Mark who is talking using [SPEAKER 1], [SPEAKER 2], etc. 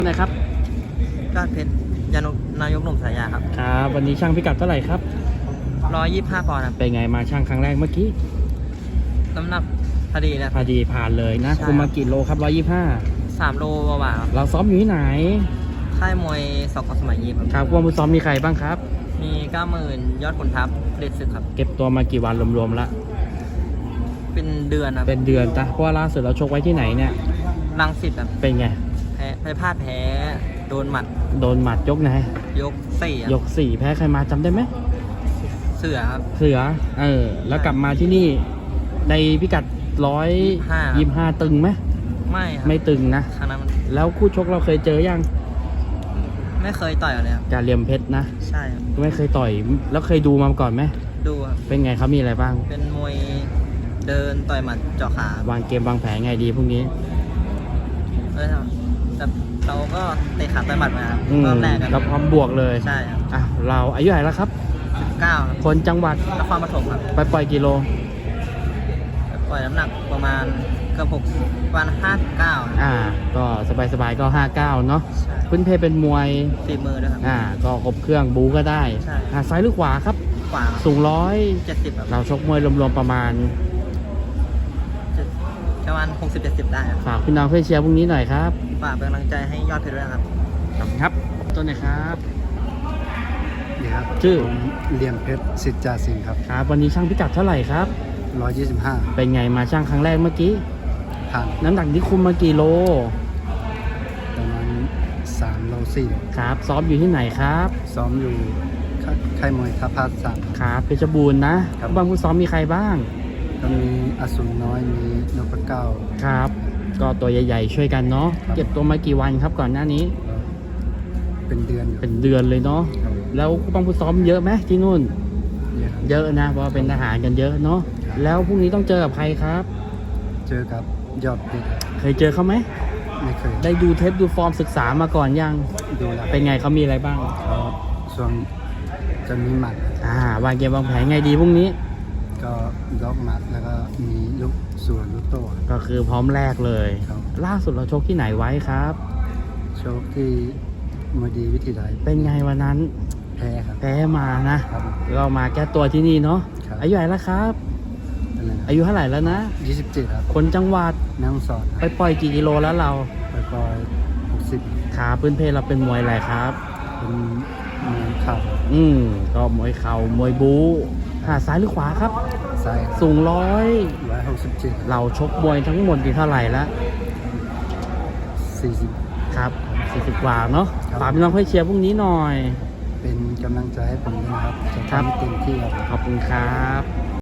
[SPEAKER 1] นะครับ
[SPEAKER 2] ยอดเพชรนายกหนุ่มสายยาครับ
[SPEAKER 1] ครับวันนี้ช่างพิกัดเท่าไหร่ครับ
[SPEAKER 2] 125 ปอนด์ครับ
[SPEAKER 1] เป็นไงมาช่างครั้งแรกเมื่อกี้
[SPEAKER 2] น้ำหนักพอดีนะ
[SPEAKER 1] พอดีผ่านเลยนะคุมมากี่โลครับ
[SPEAKER 2] 3 โลกว่าครับ
[SPEAKER 1] เราซ้อมอยู่ที่ไหน
[SPEAKER 2] ค่ายมวยสก.สมัยยิม
[SPEAKER 1] ครับว่ามือซ้อมมีใครบ้างครับ
[SPEAKER 2] มี 90,000 ยอดขุนทัพเด็ดศึกครับ
[SPEAKER 1] เก็บตัวมากี่วันรวมๆละ
[SPEAKER 2] เป็นเดือนครับ
[SPEAKER 1] เป็นเดือนจ้ะเพราะว่าล่าสุดเราชกไว้ที่ไหนเนี่ย
[SPEAKER 2] รังสิตครับ
[SPEAKER 1] เป็นไง
[SPEAKER 2] พลาดแพ้โดนหมัด
[SPEAKER 1] ยกไหน
[SPEAKER 2] ยก4
[SPEAKER 1] ยก4แพ้ใครมาจำได้ไหม
[SPEAKER 2] เสือครับ
[SPEAKER 1] แล้วกลับมาที่นี่ในพิกัด125ตึงไหมไม่ตึงนะแล้วคู่ชกเราเคยเจอยัง
[SPEAKER 2] ไม่เคยต่อยเลยครับ
[SPEAKER 1] กาเหลี่ยมเพชรนะ
[SPEAKER 2] ใช่
[SPEAKER 1] ไม่เคยต่อยแล้วเคยดูมาก่อนไหม
[SPEAKER 2] ดูครับ
[SPEAKER 1] เป็นไงเขามีอะไรบ้าง
[SPEAKER 2] เป็นมวยเดินต่อยหมัดเจาะขาว
[SPEAKER 1] างเกมวางแผนไงดีพรุ่งนี้
[SPEAKER 2] แต่เราก็เตะขาต่อยหมัดมาตอนแรก
[SPEAKER 1] เราพร้อมบวกเลย
[SPEAKER 2] ใช่
[SPEAKER 1] ครับเราอายุเท่าไหร่แล้วครับ
[SPEAKER 2] 19ครับ
[SPEAKER 1] คนจังหวัด
[SPEAKER 2] นครปฐมครับ
[SPEAKER 1] ไปปล่อยกิโล
[SPEAKER 2] ปล่อยน้ำหนักประมาณเกือบ6วัน59
[SPEAKER 1] ก็สบายๆก็59เนาะพื้นเพเป็นมวย
[SPEAKER 2] ฝีมือด้วยครับ
[SPEAKER 1] ก็ครบเครื่องบูก็ได้ซ้ายหรือขวาครับ
[SPEAKER 2] ขวา
[SPEAKER 1] สูง
[SPEAKER 2] 170ครับ
[SPEAKER 1] เราชกมวยรวมๆประมาณ
[SPEAKER 2] 60-70ได้
[SPEAKER 1] ฝากพี่น้องเพื่อนเชียร์พรุ่งนี้หน่อยครับ
[SPEAKER 2] ฝากเป็นกำลังใจให้ยอดเพชรด้วยครับ
[SPEAKER 1] ขอบคุณครับต้นไหนครับ
[SPEAKER 3] นี่ครับ
[SPEAKER 1] ชื่อ
[SPEAKER 3] เหลี่ยมเพชรสิทธิ์จ่าสิงห์ครับ
[SPEAKER 1] ครับวันนี้ช่างพิกัดเท่าไหร่ครับ
[SPEAKER 3] 125
[SPEAKER 1] เป็นไงมาช่างครั้งแรกเมื่อกี้
[SPEAKER 3] ผ่าน
[SPEAKER 1] น้ำหนักที่คุมมากี่โล
[SPEAKER 3] ประมาณ3 โล 4
[SPEAKER 1] ครับซ้อมอยู่ที่ไหนครับ
[SPEAKER 3] ซ้อมอยู่ค่ายมวยท่าพา3
[SPEAKER 1] ครับเพชรบูรณ์นะบางผู้ซ้อมมีใครบ้าง
[SPEAKER 3] ก็มีอสูรน้อยมีนพเก้า
[SPEAKER 1] ครับก็ตัวใหญ่ๆช่วยกันเนาะเก็บตัวมากี่วันครับก่อนหน้านี้
[SPEAKER 3] เป็นเดือน
[SPEAKER 1] เลยเนาะแล้วบางผู้ซ้อมเยอะไหมที่นู่นเยอะนะเพราะเป็นทหารกันเยอะเนาะแล้วพรุ่งนี้ต้องเจอกับใครครับ
[SPEAKER 3] เจอกับยอดเพชร
[SPEAKER 1] เคยเจอเขาไหม
[SPEAKER 3] ไม่เคย
[SPEAKER 1] ได้ดูเทปดูฟอร์มศึกษามาก่อนยัง
[SPEAKER 3] ดูแล้ว
[SPEAKER 1] เป็นไงเขามีอะไรบ้าง
[SPEAKER 3] ส่วนจะมีหมัด
[SPEAKER 1] วางเกมวางแผนไงดีพรุ่งนี้
[SPEAKER 3] ก็ล็อกหมัดแล้วก็มีลูกส่วนลูกโต้
[SPEAKER 1] ก็คือพร้อมแรกเลยล่าสุดเราชกที่ไหนไว้ครับ
[SPEAKER 3] ชกที่มวยดีวิธีใด
[SPEAKER 1] เป็นไงวันนั้น
[SPEAKER 3] แพ้ครับ
[SPEAKER 1] แพ้มานะเรามาแก้ตัวที่นี่เนาะอายุเท่าไหร่แล้วครับอายุเท่าไหร่แล้วนะ
[SPEAKER 3] 27ครับ
[SPEAKER 1] คนจังหวัด
[SPEAKER 3] แม่ฮ่องสอน
[SPEAKER 1] ไปปล่อยกี่กิโลแล้วเรา
[SPEAKER 3] ไปปล่อย60
[SPEAKER 1] ขาพื้นเพเราเป็นมวยอะไรครับ
[SPEAKER 3] เป็นมวยเข่า
[SPEAKER 1] ก็มวยเข่ามวยบู๊ซ้ายหรือขวาครับ
[SPEAKER 3] ซ้าย
[SPEAKER 1] สูง
[SPEAKER 3] 167
[SPEAKER 1] เราชกมวยทั้งหมดกี่เท่าไหร่แล้ว
[SPEAKER 3] 40
[SPEAKER 1] ครับ40กว่าเนาะฝากพี่น้องเพื่อนเชียร์พรุ่งนี้หน่อย
[SPEAKER 3] เป็นกำลังใจให้ผมด้วยนะครับจะทำให้เต็มที่ครับ
[SPEAKER 1] ขอบคุณครับ